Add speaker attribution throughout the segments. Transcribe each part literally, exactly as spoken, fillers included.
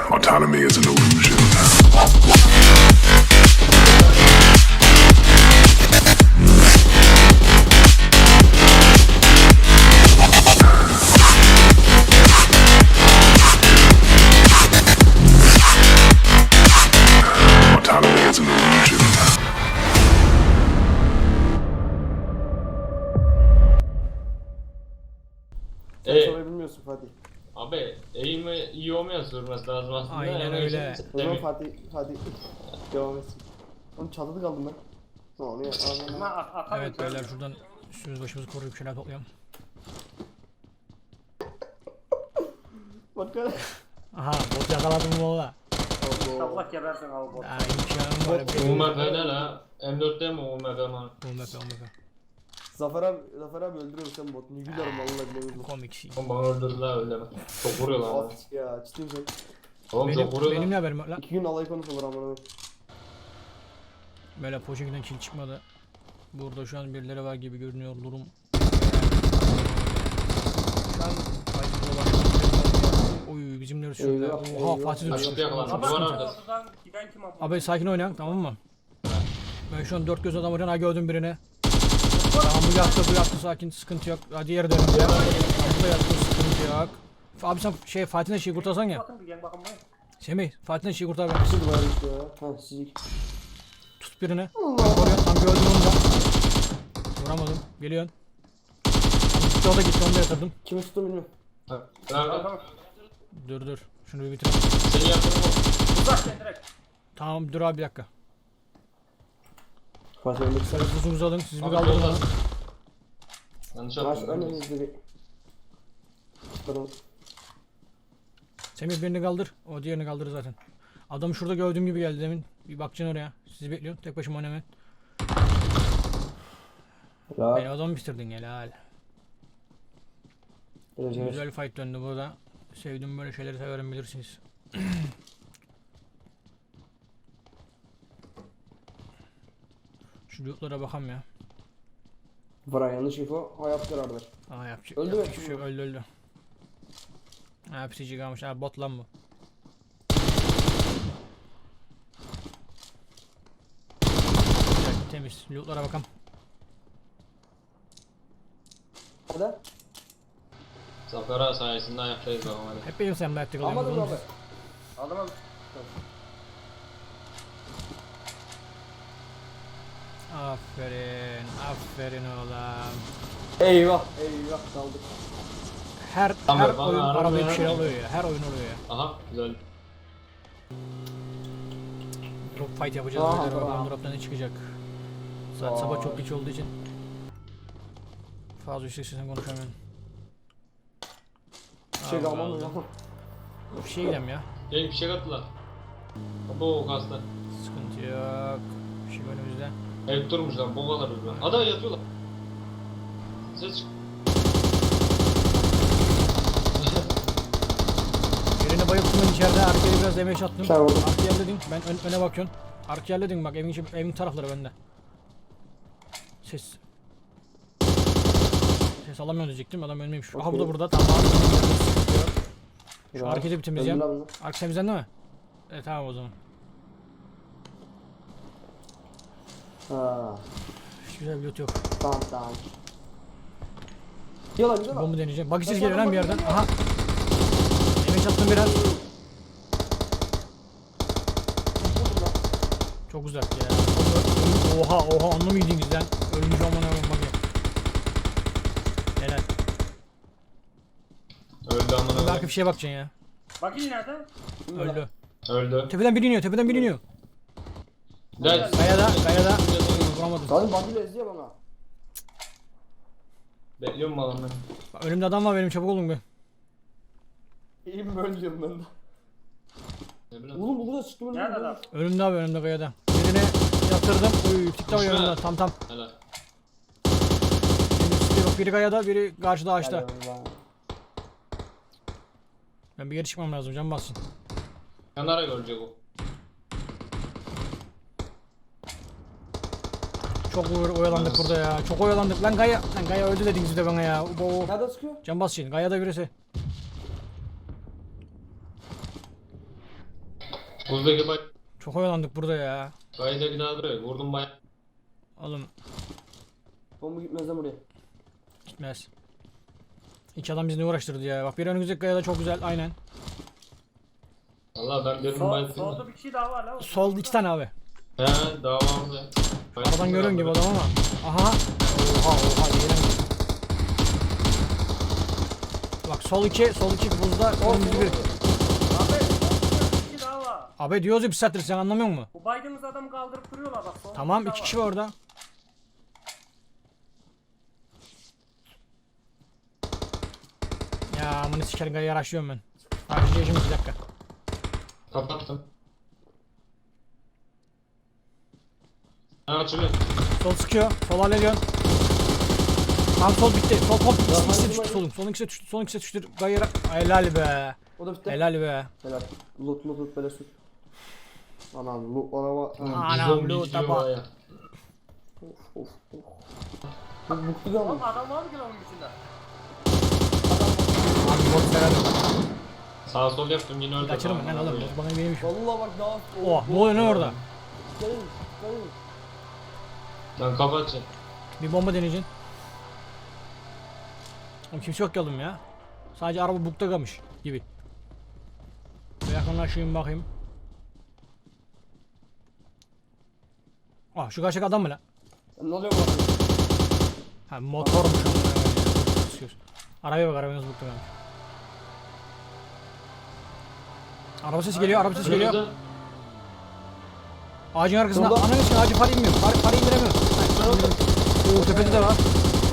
Speaker 1: Autonomy is an illusion. Autonomy is an illusion.
Speaker 2: Sen
Speaker 3: E,
Speaker 2: soruyu bilmiyorsun Fatih.
Speaker 3: abi eğimi iyi olmayan sürmesi lazım aslında.
Speaker 4: Aynen
Speaker 3: Yani
Speaker 4: öyle.
Speaker 3: işte
Speaker 2: O zaman
Speaker 3: demir-
Speaker 2: Fatih, Fatih devam etsin. Oğlum çatıda kaldım ben. Ne oluyor? Ağzına.
Speaker 4: Evet beyler şuradan üstümüz başımızı koruyup bir şeyler toplayalım.
Speaker 2: Bak hele.
Speaker 4: Aha bot yakaladım valla.
Speaker 2: Allah.
Speaker 5: Allah gebersin abi bu.
Speaker 4: Daha imkanım var.
Speaker 3: U M P ne la? M dörtte mi U M P mi?
Speaker 4: Olmaz olmaz.
Speaker 2: Zafer abi, Zafer abi öldürüyorum sen bot. Ne gülerim vallahi bilemiyorum.
Speaker 4: Komik şey.
Speaker 3: Oğlum bana öldürdüler öyle mi? Çok vuruyorlar bana.
Speaker 2: At ya ciddiyim sen.
Speaker 3: Oğlum
Speaker 4: Benim,
Speaker 3: çok vuruyorlar.
Speaker 4: benim ne haberim var lan?
Speaker 2: İki gün alay konusu olur amına.
Speaker 4: Böyle Poçinki'den kill çıkmadı. Burada şu an birileri var gibi görünüyor durum. Şu an fight'ı var. Oy bizimleri sürdü.
Speaker 2: Eyvah,
Speaker 4: Oha
Speaker 2: eyvah.
Speaker 4: Fatih de
Speaker 3: Açık
Speaker 4: düşmüş.
Speaker 3: yakalandı.
Speaker 4: Çok
Speaker 3: Duvar
Speaker 4: sıkıntı.
Speaker 3: arkası.
Speaker 5: Oradan giden kim abi?
Speaker 4: Abi sakin oynayalım tamam mı? Ben şu an dört göz adam arıyorum. Ha gördüm birini. Tamam bu yattı bu yattı sakin sıkıntı yok. Hadi diğeri dönün. Tamam bu da yattı sıkıntı yok. Abi sen şey Fatih'den şeyi kurtarsan ya.
Speaker 5: Bakın bir gel bakın buraya.
Speaker 4: Semih Fatih'den şeyi kurtar ben.
Speaker 2: Nasıl var işte ya? Ha sizik.
Speaker 4: Tut birini. Koruyor tam gördüm onu da. Vuramadım. Geliyorsun. Gitti o da gitti onu da yatırdım.
Speaker 2: Kimi tuttum bilmiyorum.
Speaker 3: Ha, Nerede?
Speaker 5: Tamam.
Speaker 4: Dur dur. Şunu bir bitirelim.
Speaker 3: Seni yaptırım o.
Speaker 5: Uzak gel direkt.
Speaker 4: Tamam dur abi bir dakika.
Speaker 2: Fatih ölmek ister misin?
Speaker 4: Buzunuzu alın siz bir
Speaker 3: Abi
Speaker 4: kaldırın
Speaker 3: yolda.
Speaker 4: onu.
Speaker 3: Yanlış
Speaker 2: Baş
Speaker 3: yaptım.
Speaker 2: önümüzde bir. Bakalım.
Speaker 4: Semih birini kaldır. O diğerini kaldırır zaten. Adamı şurada gördüğüm gibi geldi demin. Bir bakacaksın oraya. Sizi bekliyorum. Tek başıma oynamayın.
Speaker 2: Ya.
Speaker 4: Beni adamı bitirdin helal.
Speaker 2: Geleceğiz.
Speaker 4: Güzel fight döndü burada. Sevdiğim böyle şeyleri severim bilirsiniz. Şu lootlara bakam ya.
Speaker 2: Bana yanlış info. Hayat karardır.
Speaker 4: Aa yapacak.
Speaker 2: Öldü mü?
Speaker 4: yapacak bir şey yok, öldü öldü. Ha pisici kalmış. Ha bot lan bu. Güzel, temiz. Lootlara bakam.
Speaker 2: Hadi.
Speaker 3: Zafer ağa sayesinde ayaktayız bakalım hadi.
Speaker 4: Hep benim sen ayakta kalıyorsun.
Speaker 2: Almadın mı
Speaker 4: oğlum.
Speaker 2: abi?
Speaker 5: Aldım abi.
Speaker 4: Aferin. Aferin oğlum.
Speaker 2: Eyvah. Eyvah kaldık.
Speaker 4: Her
Speaker 3: Tamam,
Speaker 4: her
Speaker 3: bana
Speaker 4: oyun
Speaker 3: arada
Speaker 4: arada bir şey
Speaker 3: ya.
Speaker 4: oluyor ya. Her oyun oluyor ya.
Speaker 3: Aha güzel.
Speaker 4: Drop fight yapacağız.
Speaker 2: Aha,
Speaker 4: Beyler, bakalım
Speaker 2: tamam.
Speaker 4: drop'tan ne çıkacak. Saat
Speaker 2: Vay.
Speaker 4: sabah çok geç olduğu için. Fazla yüksek sesle konuşamıyorum.
Speaker 2: Bir şey
Speaker 4: Allah
Speaker 2: kalmam
Speaker 4: Allah.
Speaker 2: ya.
Speaker 4: Bir şey diyeceğim ya.
Speaker 3: Gel bir şey kattılar. Bu kasta.
Speaker 4: Sıkıntı yok. Bir şey önümüzde.
Speaker 3: Hep durmuşlar bu kadar hızlı. Ada yatıyorlar. Ses çık.
Speaker 4: Birini bayılttım ben içeride. Arkaya biraz demeç attım.
Speaker 2: Sen vurdun.
Speaker 4: Arkaya halledin. Ben ön, öne bakıyorum. Arkaya halledin bak evin, içi- evin tarafları bende. Ses. Ses alamıyorum diyecektim. Adam ölmeymiş. Aha bu da
Speaker 2: Okey.
Speaker 4: burada. Tamam. Şu hareketi bir temizleyelim.
Speaker 2: Öldü lan bunu.
Speaker 4: Arka temizlendi mi? Evet tamam o zaman.
Speaker 2: Ha.
Speaker 4: Hiç güzel bir loot yok.
Speaker 2: Tamam tamam. Yalan güzel
Speaker 4: Bombu
Speaker 2: lan.
Speaker 4: deneyeceğim. Bak siz
Speaker 2: Bak,
Speaker 4: geliyor
Speaker 2: bak,
Speaker 4: lan bir
Speaker 2: bak,
Speaker 4: yerden.
Speaker 2: geliyor.
Speaker 4: Aha. Demeç attım biraz. Çok uzak ya. Oha oha anlı mıydınız lan? Ölmüş aman aman bak ya. Helal.
Speaker 3: Öldü amına
Speaker 4: Bir arka
Speaker 3: koyayım.
Speaker 4: bir şeye bakacaksın ya.
Speaker 5: Bakayım nerede?
Speaker 4: Öldü.
Speaker 3: Öldü.
Speaker 4: Tepeden biri iniyor, tepeden biri iniyor.
Speaker 3: Gel.
Speaker 4: Kayada, kayada. Vuramadım.
Speaker 2: Kadın bandıyla ezdi bana.
Speaker 3: Bekliyorum malım ben.
Speaker 4: Bak, önümde adam var benim çabuk olun be.
Speaker 2: İyiyim böyle diyorum ben de.
Speaker 3: Ne bileyim.
Speaker 2: Oğlum bu da çıktı böyle.
Speaker 5: Nerede adam?
Speaker 4: Önümde abi önümde kayada. Birini yatırdım. Uy tikta
Speaker 3: Düşme.
Speaker 4: yanımda tam tam.
Speaker 3: Helal.
Speaker 4: Benim üstte yok. Biri kayada biri karşıda ağaçta.
Speaker 2: Helal.
Speaker 4: Ben bir yere çıkmam lazım can bassın.
Speaker 3: Yanlara görecek o.
Speaker 4: Çok oy- oyalandık burada ya. Çok oyalandık. Lan Gaya. Lan Gaya öldü dediniz bir de bana ya. Bo.
Speaker 2: Nerede sıkıyor?
Speaker 4: Can bas şimdi. Gaya'da birisi.
Speaker 3: Buradaki bay
Speaker 4: Çok oyalandık burada ya.
Speaker 3: baydaki daha duruyor. Vurdum bay.
Speaker 4: Oğlum
Speaker 2: Bomba gitmez lan buraya.
Speaker 4: gitmez. İki adam bizi ne uğraştırdı ya. Bak bir önümüzdeki kayada çok güzel aynen.
Speaker 3: Valla ben dedim
Speaker 5: Sol,
Speaker 3: bay.
Speaker 5: solda bir kişi daha var lan.
Speaker 4: Solda iki tane abi.
Speaker 3: He davamda.
Speaker 4: Aradan görüyorum gibi adam ama. Aha. Oha oha diyelim. Bak sol iki, sol iki buzda önümüzde bir.
Speaker 5: Abi solda bir kişi daha var.
Speaker 4: Abi diyoruz ya bir saattir sen anlamıyor musun?
Speaker 5: Bu baydığımız adamı kaldırıp duruyorlar bak. solda
Speaker 4: Tamam
Speaker 5: bir
Speaker 4: iki
Speaker 5: daha
Speaker 4: kişi var orada. Ya amına sikerim gayı araştırıyorum ben. Araştıracağım bir dakika.
Speaker 3: Kapattım. Ha açılıyor.
Speaker 4: Sol sıkıyor. Sol hallediyorsun. Tam sol bitti. Sol komp ikisi, ikisi
Speaker 2: hadi,
Speaker 4: düştü
Speaker 2: hadi.
Speaker 4: solun. Solun ikisi düştü. Solun ikisi düştü. Gayı helal be.
Speaker 2: O da bitti.
Speaker 4: Helal be.
Speaker 2: Helal. Loot loot loot böyle sür. Anam loot araba.
Speaker 4: Anam
Speaker 3: Bizon
Speaker 4: loot
Speaker 3: bitiyor
Speaker 4: tapa.
Speaker 3: baya.
Speaker 2: Of of of. Bu mutlu da
Speaker 5: Oğlum
Speaker 2: mı?
Speaker 5: adam var mı ki lan onun içinde?
Speaker 4: Abi bot severim.
Speaker 3: Sağ sol yaptım yine öldü.
Speaker 4: Kaçırım ben
Speaker 3: Tamam,
Speaker 4: oğlum.
Speaker 3: öyle.
Speaker 4: Bot bana benim işim.
Speaker 2: Vallahi bak daha.
Speaker 4: Oh ne oluyor ne orada?
Speaker 2: Gelin. Gelin.
Speaker 3: Ben kapatacağım.
Speaker 4: Bir bomba deneyeceksin. Oğlum kimse yok ki oğlum ya. Sadece araba bukta kalmış gibi. Bir yakınlaşayım bakayım. Ah şu karşıdaki adam mı lan?
Speaker 2: Ne oluyor bu?
Speaker 4: Ha motormuş ama. İstiyoruz. Arabaya bak arabaya nasıl bukta kalmış. Araba sesi geliyor, araba sesi geliyor.
Speaker 3: Önümüzde.
Speaker 4: Ağacın arkasında.
Speaker 2: Solda.
Speaker 4: Ananı için ağacı para inmiyor. Para, para indiremiyor. Oo tepede de var.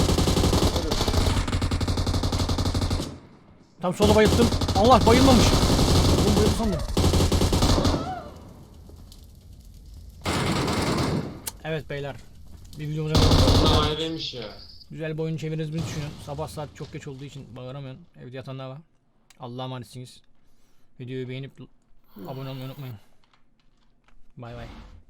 Speaker 4: Tam sola bayılttım. Allah bayılmamış. Oğlum bayıldı sandım. Evet beyler. Bir videomuza
Speaker 3: Bunlar ayrıymış ya.
Speaker 4: güzel bir oyun çeviririz düşünün. Sabah saat çok geç olduğu için bağıramıyorum. Evde yatanlar var. Allah'a emanetsiniz. Videoyu beğenip abone olmayı unutmayın. Bay bay.